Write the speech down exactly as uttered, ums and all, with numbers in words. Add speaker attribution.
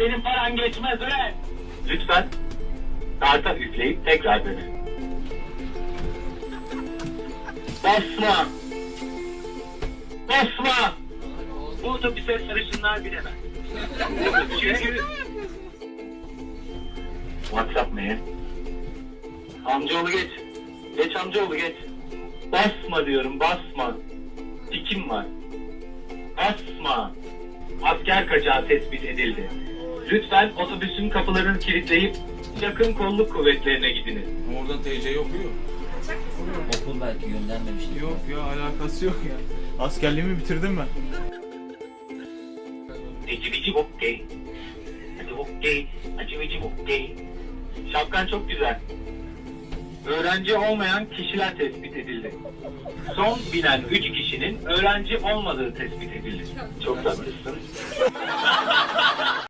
Speaker 1: senin paran geçmez ulan. Lütfen karta üfleyip tekrar dene. Basma! Basma! Bu otobüse sarışınlar binemez. Çünkü... WhatsApp man. Amcaoğlu geç. Geç amcaoğlu geç. Basma diyorum, basma. Tikim var. Basma. Asker kaçağı tespit edildi. Lütfen otobüsün kapılarını kilitleyip yakın kolluk kuvvetlerine gidiniz.
Speaker 2: Oradan T C'yi okuyor.
Speaker 3: Okul belki göndermemiştir.
Speaker 2: Yok ya, alakası yok ya. Askerliğimi bitirdim ben.
Speaker 1: Eci bici okey. Hadi okey. Acı bici okey. Şapkan çok güzel. Öğrenci olmayan kişiler tespit edildi. Son binen üç kişinin öğrenci olmadığı tespit edildi. Çok tatlısın.